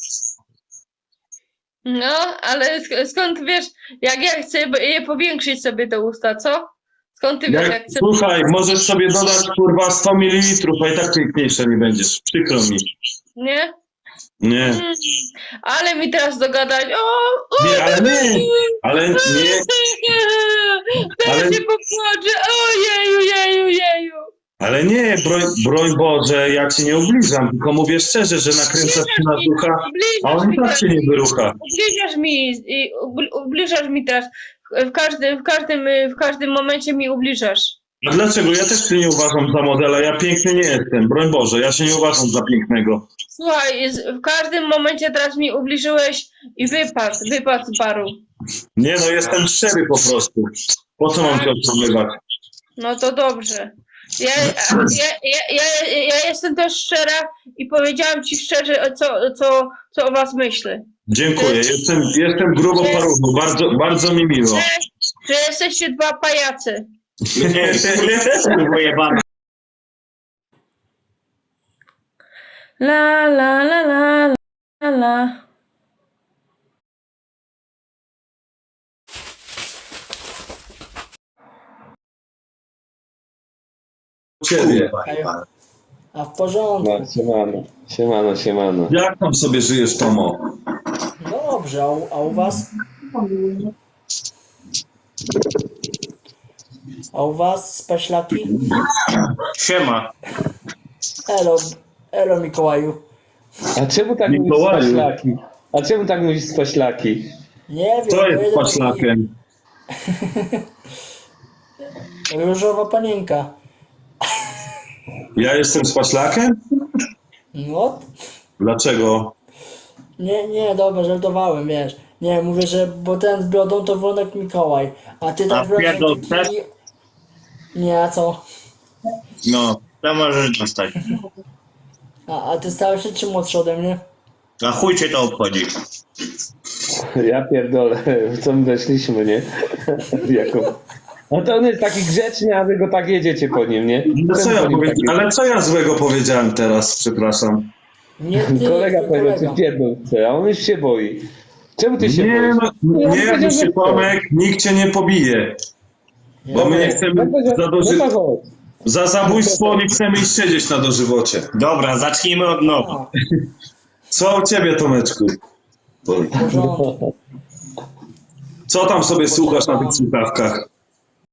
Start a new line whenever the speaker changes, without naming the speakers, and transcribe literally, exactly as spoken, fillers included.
No, ale sk- skąd wiesz, jak ja chcę je powiększyć sobie te usta, co? Skąd ty wiesz,
Jak,
jak chcę...
słuchaj, możesz sobie dodać kurwa sto mililitrów, a i tak piękniejsza nie będziesz. Przykro mi.
Nie?
Nie.
Mm, ale mi teraz dogadać, o, o
Nie, ale nie. Ale nie.
Teraz
Ale-
się popłaczę, ojeju, jeju, jeju.
Ale nie, broń, broń Boże, ja cię nie ubliżam, tylko mówię szczerze, że nakręcasz się na ducha, a
Ubliżasz
on i
mi
tak
teraz,
się nie wyrucha.
ubliżasz mi, i ubl- ubliżasz mi teraz, w każdym, w każdym, w każdym momencie mi ubliżasz.
A dlaczego? Ja też się nie uważam za modela, ja piękny nie jestem, broń Boże, ja się nie uważam za pięknego.
Słuchaj, jest- w każdym momencie teraz mi ubliżyłeś i wypadł, wypadł z baru.
Nie no, jestem szczery po prostu. Po co mam cię okłamywać?
No to dobrze. Ja, ja, ja, ja, ja jestem też szczera i powiedziałam ci szczerze, co, co, co o was myślę.
Dziękuję, jestem, jestem grubo paruchu, bardzo, bardzo mi miło.
Że, że jesteście dwa pajacy.
Pojebane.
La la la la la la.
Ciebie.
A w porządku.
No, siemano, siemano, siemano.
Jak tam sobie żyjesz, Tomo?
Dobrze, a u, a u was? A u was spaślaki?
Siema.
Elo, elo Mikołaju.
A czemu tak mówisz
Mikołaju.
spaślaki? A czemu tak mówisz spaślaki?
Nie wiem.
Co
bo
jest
jeden
paślakiem?
taki Różowa panienka.
Ja jestem z paślakiem?
No,
Dlaczego?
nie, nie, dobra, żartowałem, wiesz. Nie, mówię, że bo ten z brodą to Wronek Mikołaj. A ty
A
tak brodą
pierdol
taki...
też?
Nie, a co?
No, to możesz dostać.
A, a ty starszy czy młodszy ode mnie?
A chuj cię to obchodzi.
Ja pierdolę, w co my weszliśmy, nie? Jako... No to on jest taki grzeczny, a wy go tak jedziecie po nim, nie?
No co
Czemu
ja
po nim
powie...
tak jedziecie?
Ale co ja złego powiedziałem teraz, przepraszam?
Nie ty,
Kolega
twój
powiedział,
kolega.
że pierdol chce, a on już się boi. Czemu ty się
Nie,
boisz?
no,
Ja
nie
powiedział,
bój
że
się,
chce.
Tomek, nikt cię nie pobije. Bo my nie chcemy
Ja powiedział,
za, doży...
no to chodź.
za zabójstwo nie chcemy iść siedzieć na dożywocie.
Dobra, zacznijmy od nowa.
A,
Co u ciebie, Tomeczku?
w porządku.
Co tam sobie słuchasz na tych słuchawkach?